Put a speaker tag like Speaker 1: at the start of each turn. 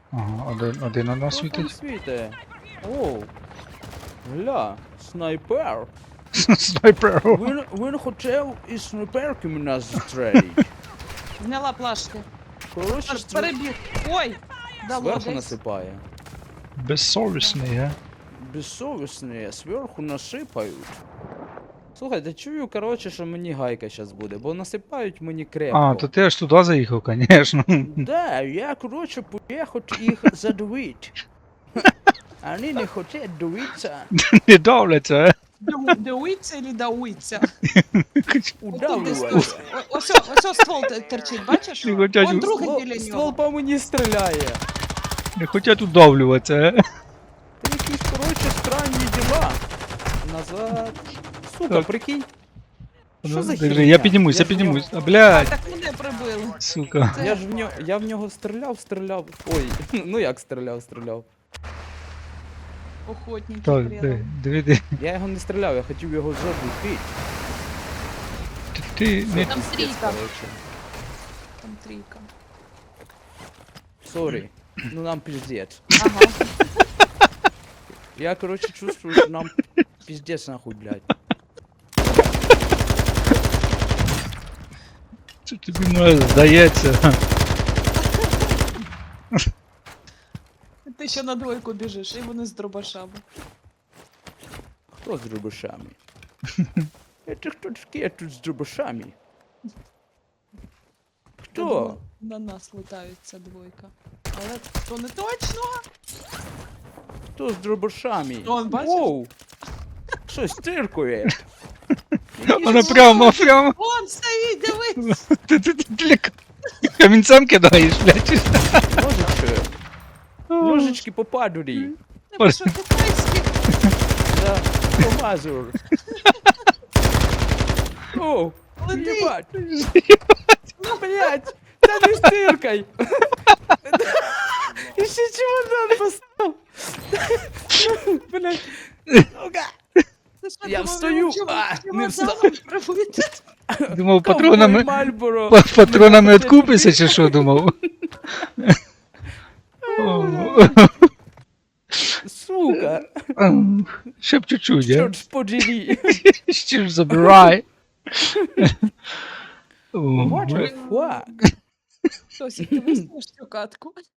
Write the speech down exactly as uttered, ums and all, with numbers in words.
Speaker 1: Ага, один, один у нас
Speaker 2: Що там
Speaker 1: світить.
Speaker 2: світе? Оу. Гля, снайпер.
Speaker 1: Снайпер.
Speaker 2: Він, він хотів із снайперками нас зустріть.
Speaker 3: Зняла плашки.
Speaker 2: Коротше,
Speaker 3: Пер-
Speaker 2: стр...
Speaker 3: Перебіг. Ой! Дало
Speaker 2: зверху
Speaker 3: десь.
Speaker 2: насипає.
Speaker 1: Безсовісний, га?
Speaker 2: Безсовісні, зверху насипають. Слухайте, чую, коротше, що мені гайка зараз буде, бо насипають мені крепко.
Speaker 1: А, то ти аж туди заїхав, конечно.
Speaker 2: Да, я, коротше, поїхав їх задавити. Вони не хочуть дивитися.
Speaker 1: Не давляться, а?
Speaker 3: Дау- Дауиться или дауиться?
Speaker 2: Удавлювати.
Speaker 3: Ось, ось ствол те- торчить, бачиш?
Speaker 1: Не хотять
Speaker 3: Вон
Speaker 1: у-
Speaker 3: другий
Speaker 2: Ствол,
Speaker 3: біля
Speaker 2: ствол
Speaker 3: нього.
Speaker 2: по мені стріляє.
Speaker 1: Не хочуть удавлюватися, а?
Speaker 2: Та якісь, коротше, странні діла. Назад. Сука,
Speaker 1: Так.
Speaker 2: прикинь. Що
Speaker 1: Ну,
Speaker 2: за
Speaker 1: держи,
Speaker 2: херня?
Speaker 1: я піднімусь, я
Speaker 2: ж в нього-
Speaker 1: піднімусь. А,
Speaker 3: А,
Speaker 1: блядь,
Speaker 3: так мене прибили.
Speaker 1: сука.
Speaker 2: Я ж в нього, я в нього стріляв, стріляв. Ой, ну як стріляв, стріляв.
Speaker 3: Охотники
Speaker 1: Так,
Speaker 3: предал.
Speaker 1: диви, диви, диви.
Speaker 2: Я його не стріляв, я хотів його задушити.
Speaker 1: Ти, ти не...
Speaker 3: Там трійка.
Speaker 2: Коротше.
Speaker 3: Там трійка.
Speaker 2: Сорі. Ну нам пиздец.
Speaker 3: Ага.
Speaker 2: Я, короче, чувствую, что нам пиздец нахуй, блядь.
Speaker 1: Це тобі може здається.
Speaker 3: Ти ще на двойку біжиш, і вони з дробашами.
Speaker 2: Кто с дробашами? Это кто такие тут с дробашами?
Speaker 3: Я
Speaker 2: Кто?
Speaker 3: думала, на нас летають ця двойка. Але то не точно.
Speaker 2: Кто с дробашами?
Speaker 3: Он, бачиш?
Speaker 2: Воу! Что стиркує?
Speaker 1: Вона прямо, прямо.
Speaker 3: Вон стоїть, дивись!
Speaker 1: Ти, ти, ти для к- камінцем кидаєш, блядь.
Speaker 2: Ножички. Ножички по падурі.
Speaker 3: Нема що китайські.
Speaker 2: Да, помазур. О,
Speaker 3: Лети.
Speaker 2: ебать. Ну, блядь, да не стыркай. Еще чемодан поставил. Блядь. Сука.
Speaker 3: Ти що,
Speaker 2: Я
Speaker 3: думав,
Speaker 2: встаю,
Speaker 3: чим-
Speaker 2: а,
Speaker 3: чим
Speaker 2: не
Speaker 3: вокзалом
Speaker 2: встав.
Speaker 3: прибити?
Speaker 1: Думав, патронами,
Speaker 2: Мальборо.
Speaker 1: па- патронами відкупися, чи що думав? О,
Speaker 2: Сука.
Speaker 1: Ще б чуть-чуть, а?
Speaker 2: Чорт ж подери.
Speaker 1: Ще ж забирай. О,
Speaker 2: What
Speaker 1: бля.
Speaker 2: the fuck?
Speaker 3: Хтось, ти виснеш цю катку.